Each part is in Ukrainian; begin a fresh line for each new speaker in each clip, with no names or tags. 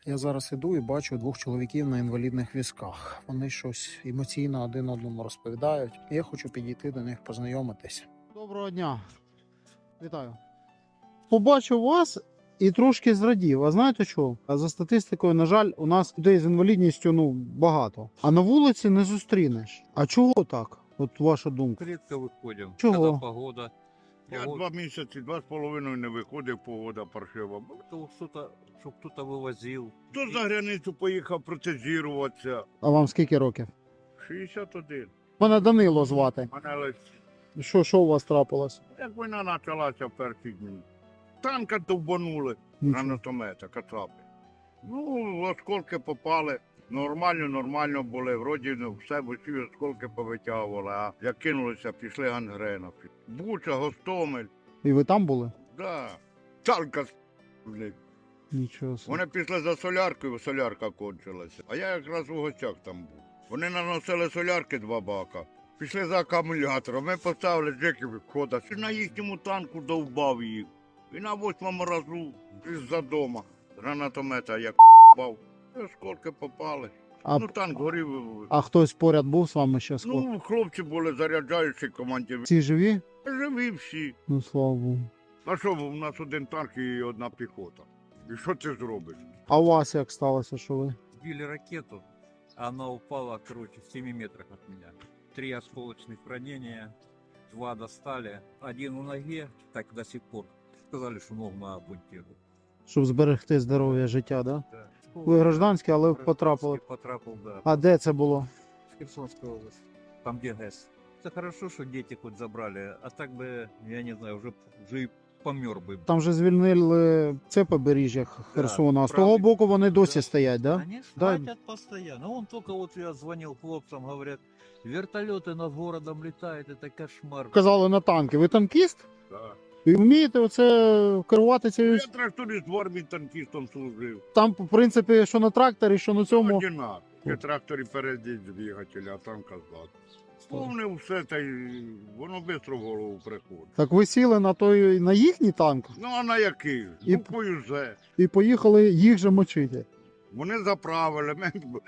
Я зараз іду і бачу двох чоловіків на інвалідних візках. Вони щось емоційно один одному розповідають. Я хочу підійти до них, познайомитись. Доброго дня. Вітаю. Побачив вас і трошки зрадів. А знаєте що? За статистикою, на жаль, у нас людей з інвалідністю багато. А на вулиці не зустрінеш. А чого так? От ваша думка.
Редко виходимо.
Чого?
Коли погода.
Я 2 місяці, 2,5 не виходив, погода паршива.
Щоб хтось вивозив.
Хто за границю поїхав протезіруватися?
А вам скільки років?
61.
Мене Данило звати.
Мене лише.
Що у вас трапилось?
Як війна почалася в перші дні. Танка довбанули,
Нічого.
гранатомета, кацапи. Осколки попали. Нормально були, вроді все в усі осколки повитягували, а як кинулися, пішли гангрена. Буча, Гостомель,
І ви там були?
да. Танка блядь.
Нічого собі.
Вони пішли за соляркою, солярка кончилася. А я якраз у гостях там був. Вони наносили солярки 2 бака. Пішли за акумулятором. Ми поставили джеків відхода. На їхньому танку довбав їх. І на 8-му разу із-за дома гранатомета як бав. Осколки попали.
А,
Танк горів.
а хтось поряд був з вами ще скоро?
Хлопці були заряджаючі командир.
Всі живі?
Живі всі.
Ну, слава Богу.
А що, у нас один танк і одна піхота. І що ти зробиш?
А у вас як сталося, що ви?
Сбили ракету, она упала, в 7 метрах от меня. 3 осколочных ранения, 2 достали. Один у ноге, так до сих пор. Сказали, что ногу надо ампутировать.
Щоб зберегти здоров'я життя, да?
Да.
Ви гражданські, але потрапили.
Потрапил, да.
А де це було?
В Херсонской области. Там, где ГЭС. Это хорошо, что дети хоть забрали, а так бы, я не знаю, уже и помер бы.
Там же звільнили це побережжя Херсона, а з того
правий.
боку вони досі
Да.
стоять, да?
Они
Да.
хотят постоянно. Он только вот я звонил хлопцам, говорят, вертолеты над городом летают, это кошмар.
Казали на танки. Ви танкіст?
Да.
І вмієте оце керувати
Я
цією?
тракторист в армії танкістом служив.
Там, в принципі, що на тракторі, що на цьому.
Одинак. На тракторі передіть двигателя, а танка ззаду. Повне все, та й воно швидко в голову приходить.
Так ви сіли на їхній танк
Ну а на який?
І-
Буквою З.
і поїхали їх же мочити.
Вони заправили,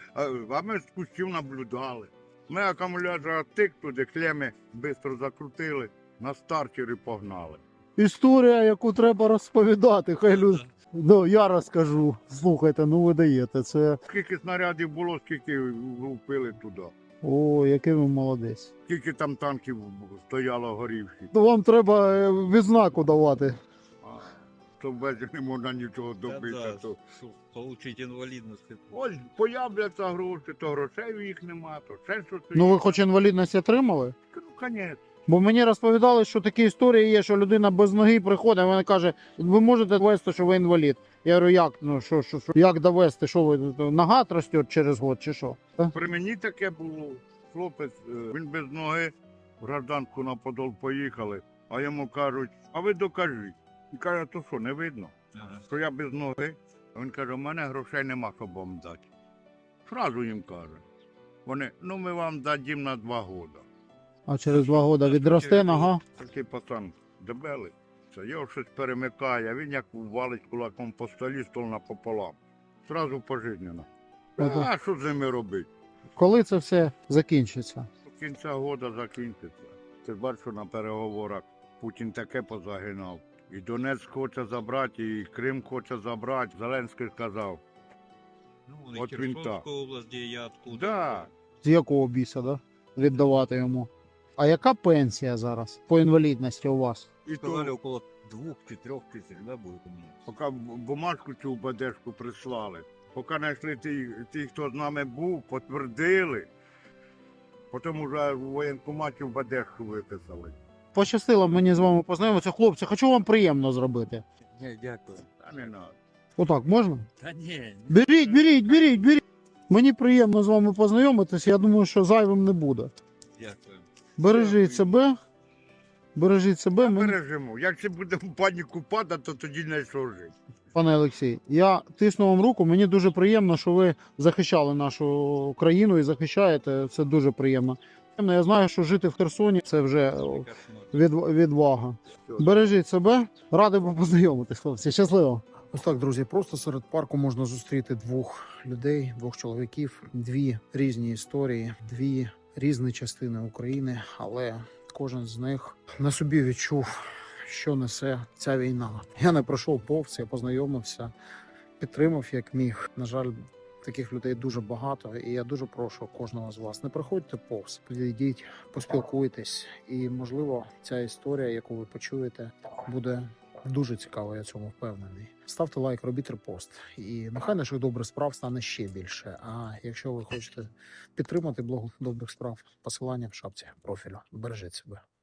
а ми з кущів наблюдали. Ми акумулятор тик туди, клеми швидко закрутили, на стартері погнали.
Історія, яку треба розповідати, хай люди. Ну, я розкажу. Слухайте, ну ви даєте. Це.
Скільки снарядів було, скільки влупили туди.
О, який ви молодець.
Скільки там танків стояло горівші.
То вам треба відзнаку давати.
То без не можна нічого добитися. То...
Получить инвалидность.
Ось появляться гроші, то грошей в їх нема, то ще щось.
Ну ви хоч інвалідність отримали?
Ну, конечно.
Бо мені розповідали, що такі історії є, що людина без ноги приходить, і вона каже, ви можете довести, що ви інвалід. Я говорю, як? Ну, як довести, що ви, нога росте через год чи що?
При мені таке було. Хлопець, він без ноги, в гражданку на Подол поїхали, а йому кажуть, а ви докажіть. Він каже, то що, не видно, що я без ноги. А він каже, у мене грошей нема, щоб вам дати. Зразу їм каже. Вони, ну ми вам дадім на 2 роки.
А через 2 роки відросте нога?
Такий пацан дебелий. Це його щось перемикає, а він як валить кулаком по столі, стол напополам. Зразу пожизненно.
Ага.
А що з ними робити?
Коли це все закінчиться?
До кінця року закінчиться. Ти ж бачиш, що на переговорах Путін таке позагинав. І Донецьк хоче забрати, і Крим хоче забрати. Зеленський сказав.
Ну,
Вот
и
винта.
Херсонская область, где я откуда.
Да.
З якого біса, да? Віддавати йому? А яка пенсія зараз по інвалідності у вас?
І
Сказали,
то,
около 2 чи 3 тысяч, да, будет у меня.
поки бумажку цю БДшку прислали, поки знайшли ті, хто з нами був, потвердили, потім вже в воєнкоматі в БДшку виписали.
Пощастило мені з вами познайомитися. Хлопці, хочу вам приємно зробити.
Не, дякую.
Та не надо.
Отак, можна?
Да не.
Беріть. Мені приємно з вами познайомитися, я думаю, що зайвим не буде.
Дякую.
Бережіть себе. Бережіть себе. Мені...
Бережемо. Якщо будемо в паніку падати, то тоді не що жити.
Пане Олексій, я тисну вам руку, мені дуже приємно, що ви захищали нашу країну і захищаєте, це дуже приємно. Я знаю, що жити в Херсоні – це вже відвага. Бережіть себе, радий був познайомитись, хлопці, щасливо. Ось так, друзі, просто серед парку можна зустріти двох людей, двох чоловіків, дві різні історії, дві різні частини України, але кожен з них на собі відчув, що несе ця війна. Я не пройшов повз, я познайомився, підтримав як міг. На жаль, таких людей дуже багато, і я дуже прошу кожного з вас, не проходьте повз, підійдіть, поспілкуйтесь, і можливо ця історія, яку ви почуєте, буде дуже цікаво, я цьому впевнений. Ставте лайк, робіть репост, і нехай наших добрих справ стане ще більше. А якщо ви хочете підтримати блог добрих справ, посилання в шапці профілю. Бережіть себе.